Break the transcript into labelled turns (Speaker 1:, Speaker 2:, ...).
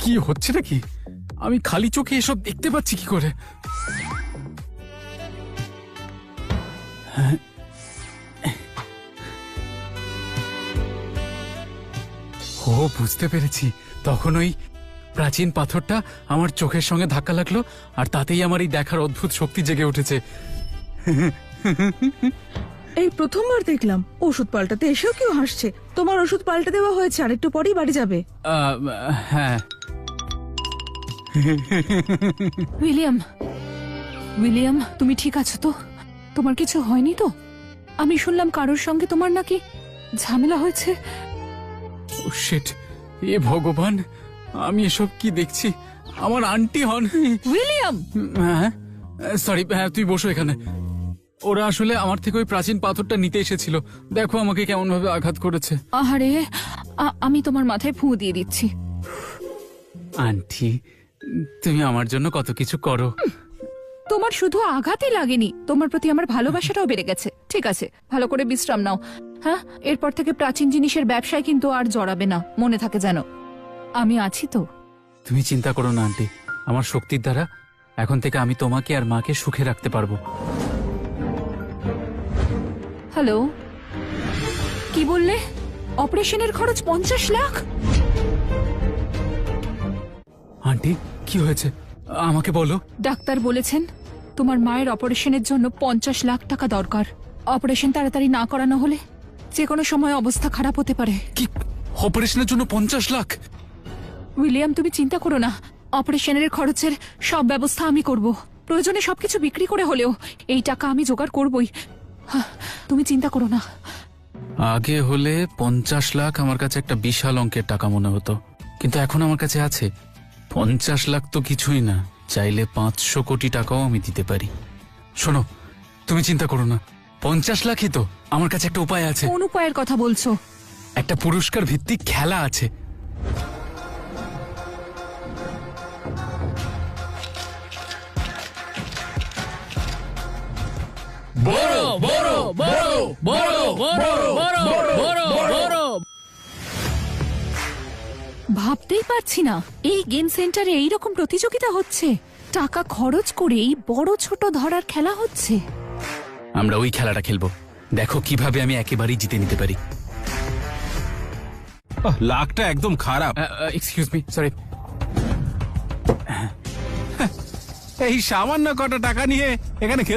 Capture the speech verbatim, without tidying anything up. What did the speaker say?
Speaker 1: কি হচ্ছে নাকি? আমি খালি চোখে এসব দেখতে পাচ্ছি কি করে? হ্যাঁ? ও, বুঝতে পেরেছি। তখন ওই প্রাচীন পাথরটা আমার চোখের সঙ্গে ধাক্কা লাগলো, আর তাতেই আমার এই দেখার অদ্ভুত শক্তি জেগে উঠেছে।
Speaker 2: এই প্রথমবার দেখলাম ওষুধ পাল্টাতে এসেও কেউ হাসছে। তোমার ওষুধ পাল্টে দেওয়া হয়েছে, আর একটু পরেই বাড়ি যাবে।
Speaker 1: আহ, হ্যাঁ।
Speaker 3: উইলিয়াম, উইলিয়াম, তুমি ঠিক আছো তো? তোমার কিছু হয়নি তো? আমি শুনলাম কারোর সঙ্গে তোমার নাকি ঝামেলা হয়েছে।
Speaker 1: ও শিট, এ ভগবান, আমি এসব কি দেখছি? আমার আন্টি হন।
Speaker 3: উইলিয়াম!
Speaker 1: হ্যাঁ, সরি, হ্যাঁ তুই বসো এখানে। ওরা আসলে আমার থেকে ওই প্রাচীন পাথরটা নিতে এসেছিল। দেখো আমাকে কেমন ভাবে আঘাত করেছে।
Speaker 3: আহারে, আ- আমি তোমার মাথায় ফুঁ দিয়ে দিচ্ছি।
Speaker 1: আন্টি, তুমি আমার জন্য কত কিছু করো।
Speaker 3: তোমার শুধু আঘাতই লাগেনি, তোমার প্রতি আমার ভালোবাসাটাও বেড়ে গেছে। ঠিক আছে, ভালো করে বিশ্রাম নাও। হ্যাঁ, এরপর থেকে প্রাচীন জিনিসের ব্যবসায় কিন্তু আর জড়াবে না, মনে থাকে যেন। আমি আছি তো।
Speaker 1: তুমি চিন্তা করো না আন্টি, আমার শক্তির দ্বারা এখন থেকে আমি তোমাকে আর মাকে সুখে রাখতে পারবো।
Speaker 3: হ্যালো, কি বললে? অপারেশনের খরচ পঞ্চাশ লাখ?
Speaker 1: আন্টি, কি হয়েছে আমাকে বলো।
Speaker 3: ডাক্তার বলেছেন তোমার মায়ের অপারেশনের জন্য পঞ্চাশ লাখ টাকা দরকার। অপারেশন তাড়াতাড়ি না করানো হলে যে কোনো সময় অবস্থা খারাপ হতে পারে।
Speaker 1: কি, অপারেশনের জন্য পঞ্চাশ লাখ?
Speaker 3: উইলিয়াম, তুমি চিন্তা করো না, অপারেশনের খরচের সব ব্যবস্থা আমি করব। প্রয়োজনে সবকিছু বিক্রি করে হলেও এই টাকা আমি জোগাড় করবই। হ্যাঁ, তুমি চিন্তা করো না।
Speaker 1: আগে হলে পঞ্চাশ লাখ আমার কাছে একটা বিশাল অঙ্কের টাকা মনে হতো, কিন্তু এখন আমার কাছে আছে পঞ্চাশ লাখ তো কিছুই না। চাইলে পাঁচশো কোটি টাকাও আমি দিতে পারি। শোনো, তুমি চিন্তা করো না, পঞ্চাশ লাখই তো। আমার কাছে একটা উপায় আছে।
Speaker 3: কোন উপায়ের কথা বলছো?
Speaker 1: একটা পুরস্কার ভিত্তিক খেলা আছে।
Speaker 4: বড় বড় বড় বড় বড় বড় বড় বড়।
Speaker 3: ভাবতেই পারছি না এই গেম সেন্টারে এইরকম প্রতিযোগিতা হচ্ছে। টাকা খরচ করেই বড় ছোট ধরার খেলা হচ্ছে।
Speaker 1: আমরা ওই খেলাটা খেলবো। দেখো কিভাবে আমি একেবারেই জিতে নিতে পারি।
Speaker 5: লাকটা একদম খারাপ।
Speaker 1: Excuse me, sorry.
Speaker 5: এই সামান্য কটা টাকা নিয়ে এখানে